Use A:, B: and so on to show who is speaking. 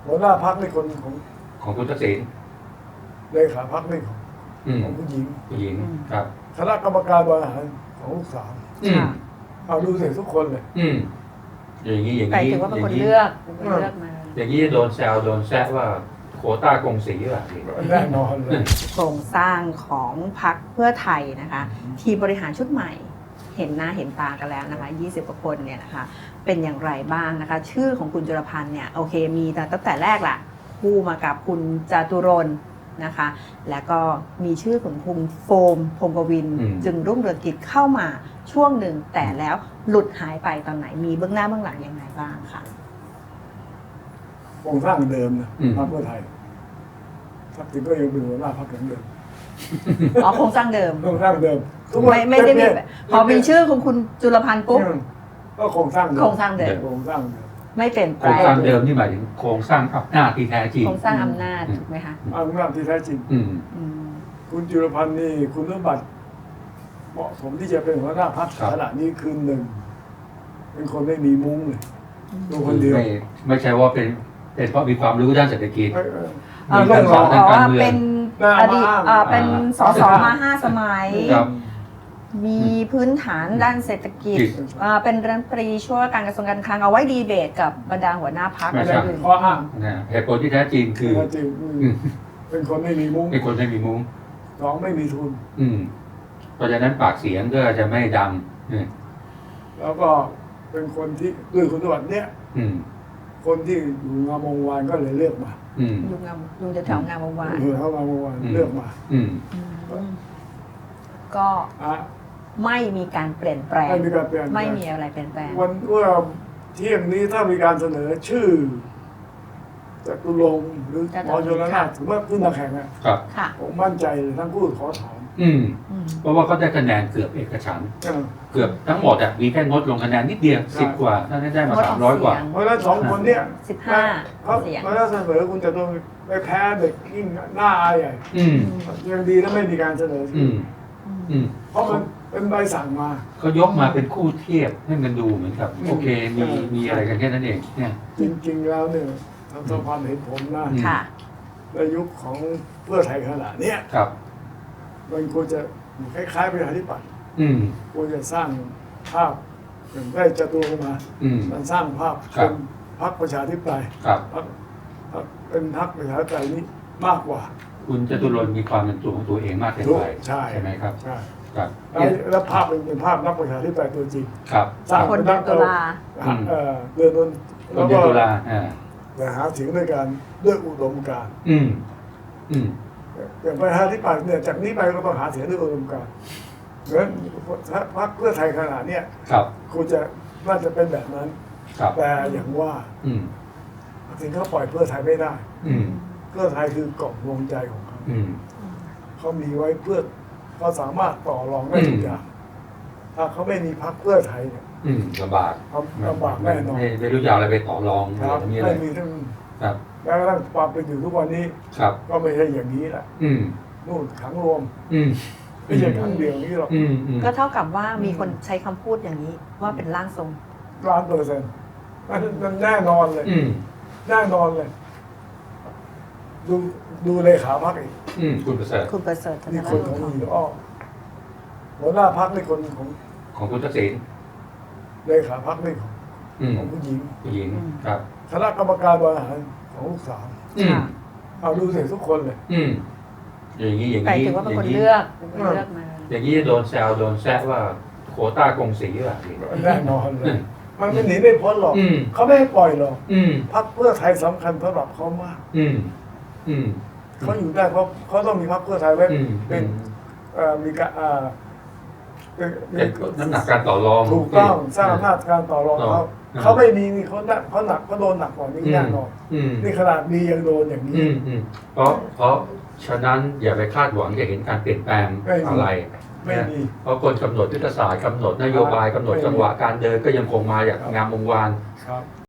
A: หัวหน้าพรรคในคน
B: ของคุณทักษิณ
A: เลขาพรรคในของผู้หญิง
B: ครับ
A: คณะกรรมการบริหารของลูกสาวเอาดูเสร็จทุกคนเลย
B: อย่างนี้
C: แต่ถือว่าเป็นคนเลือกมา
B: อย่างนี้โดนแซวโดนแซะว่าโควต้ากงสีแบบนี้
A: แน่นอนเลย
C: โครงสร้างของพรรคเพื่อไทยนะคะทีมบริหารชุดใหม่เห็นหน้าเห็นตากันแล้วนะคะ20 กว่าคนเนี่ยนะคะเป็นอย่างไรบ้างนะคะชื่อของคุณจุลพันธ์เนี่ยโอเคมีตั้งแต่แรกล่ะคู่มากับคุณจตุรนต์นะคะแล้วก็มีชื่อของคุณโฟมพงศ์กวินจึงรุ่งเรืองกิจเข้ามาช่วงหนึ่งแต่แล้วหลุดหายไปตอนไหนมีเบื้องหน้าเบื้องหลังยังไงบ้างค่ะ
A: โครงสร้างเดิมนะพรรคเพื่อไทยทักษิณก็ยังเป็นหัวหน้าพรรคเดิม
C: อ๋อโครงสร้างเดิม
A: โครงสร้างเดิม
C: ไม่ได้มีพอมีชื่อของคุณจุลพันธ์ปุ๊บ
A: ก็โครงสร้างเดิม
C: ไม่เปลี่ยนแปลง
B: โครงสร้างเดิมนี่หมายถึงโครงสร้างอำนาจที่แท้จริง
C: โครงสร้างอำนาจถูกไหมคะ
A: อำนาจที่แท้จริงคุณจุลพันธ์นี่คุณสมบัติเหมาะสมที่จะเป็นหัวหน้าพรรคขณะนี้คือหนึ่งเป็นคนไม่มีมุ้งเลยตัวคนเดียว
B: ไม่ใช่ว่าเป็นเพราะมีความรู้ด้านเศรษฐกิจ
C: มีการสอนทางการเมืองอดีตเป็นสสมา5 สมัยมีพื้นฐานด้านเศรษฐกิจเป็นรัฐมนตรีช่วยการกระทรวงการคลังเอาไว้ดีเบตกับบรรดาหัวหน้าพรรค
A: อะไรอื่นข้ออ้าง
B: เหตุผลที่แท้จริงคือ
A: เป็นคนไม่มีมุ้ง
B: เป็นคนไม่มีมุ้ง
A: สองไม่มีทุน
B: เพราะฉะนั้นปากเสียงก็จะไม่ดัง
A: แล้วก็เป็นคนที่ด้วยคุณสมบัติเนี้ยคนที่อยู่งามวงวานก็เลยเลือกมา
C: อยู่แถวงามวงวาน
A: อยู่แถวงามวงวานเลือกมา
C: ก็ไม่มีการเปลี่ยนแปลงไม่มีอะไรเปลี่ยนแปลง
A: วันเมื่อเที่ยงนี้ถ้ามีการเสนอชื่อจตุรงค์หรือหมอชลน่านถือว่าขึ้นมาแข่งผมมั่นใจเลยทั้งคู่ขอถอน
B: เพราะว่าเขาได้คะแนนเกือบเอกฉันท์เกือบทั้งหมดมีแค่งดลงคะแนนนิดเดียว10 กว่าท่านได้มา300 กว่า
A: เพราะฉะนั้น2 คนเนี่ย
C: 15 เสียง
A: เขาเสนอคุณจตุรงค์ไปแพ้เด็กยิ่งหน้าอายใหญ่ยังดีแล้วไม่มีการเสนอเพราะมันเป็นใบสั่งมา
B: เขายกมาเป็นคู่เทียบให้มันดูเหมือนกับโอเคมีอะไรกันแค่นั้นเองเนี่ย
A: จริงๆแล้วเนี่ยทางสภาเห็นผมนะในยุคของเพื่อไทยขนาดนี้มันควรจะคล้ายๆประชาธิปัตย์ควรจะสร้างภาพอย่างได้จตุรงค์มามันสร้างภาพเป็นพรรคประชาธิปไตยเป็นพรรคประชาธิปไตยนี้มากกว่า
B: คุณจตุรนต์มีความเป็นตัวของตัวเองมากเกินไปใช่ไหมครับ
A: ใช่แล้วภาพเป็นภาพนักประชาธิปไตยตัวจริง
C: สร้างคนตุลา
A: เดือน
B: ตุลา
A: หาเสียงด้วยกันด้วยอุดมการณ์อย่างประชาธิปัตย์เนี่ยจากนี้ไปก็ต้องหาเสียงด้วยอุดมการณ์เหมือนพรรคเพื่อไทยขนาดนี้คุณจะน่าจะเป็นแบบนั้นแต่อย่างว่าถึงเขาปล่อยเพื่อไทยไม่ได้เพื่อไทยคือกล่องดวงใจของเขาเขามีไว้เพื่อเขาสามารถต่อรองได้ทุกอย่างถ้าเขาไม่มีพรรคเพื่อไทยเนี่ย
B: ลำบาก
A: แน่นอน
B: ไม่รู้จะอะไรไปต่อรอง
A: ไม่มีทั้งแม้กระทั่งความเป็นอยู่ทุกวันนี้ก็ไม่ใช่อย่างนี้แหละนู่นขังรวมไม่ใช่ขังเดียวนี้หรอก
C: ก็เท่ากับว่ามีคนใช้คำพูดอย่างนี้ว่าเป็นร่างทรง
A: 100%มันแน่นอนเลยแน่นอนเลยดูเลขาพรรคอีก
B: คุณประเส
C: ริฐ
A: นี่คนของหญิงอ้อหัวหน้าพรรคนี่คน
B: ของคุณทักษิณ
A: เลขาพรรคนี่ของผู้หญิง
B: ครับ
A: คณะกรรมการบริหารของลูกสาวเอาดูเสร็จทุกคนเลย
B: อย่างนี้
C: แต่ถือว่าเป็นคนเลือกมา
B: อย่างนี้โดนแซวโดนแซะว่าโควต้ากงสีแบบนี้
A: แน่นอนเลยมันหนีไม่พ้นหรอกเขาไม่ให้ปล่อยหรอกพรรคเพื่อไทยสำคัญสำหรับเขามากเขาอยู่ได้เพราะเขาต้องมีพรรคเพื่อไทยไว้เป็นมีการ
B: น้ำหนักการต่อรอง
A: ถูกต้องสร้างอำนาจการต่อรองเขาไม่มีนี่เขาหนักเขาโดนหนักกว่านี้แน่นอนนี่ขนาดมียังโดนอย่างนี้
B: เพราะฉะนั้นอย่าไปคาดหวังจะเห็นการเปลี่ยนแปลงอะไรเพราะคนกำหนดยุทธศาสตร์กำหนดนโยบายกำหนดจังหวะการเดินก็ยังคงมาอย่างงามวงวาน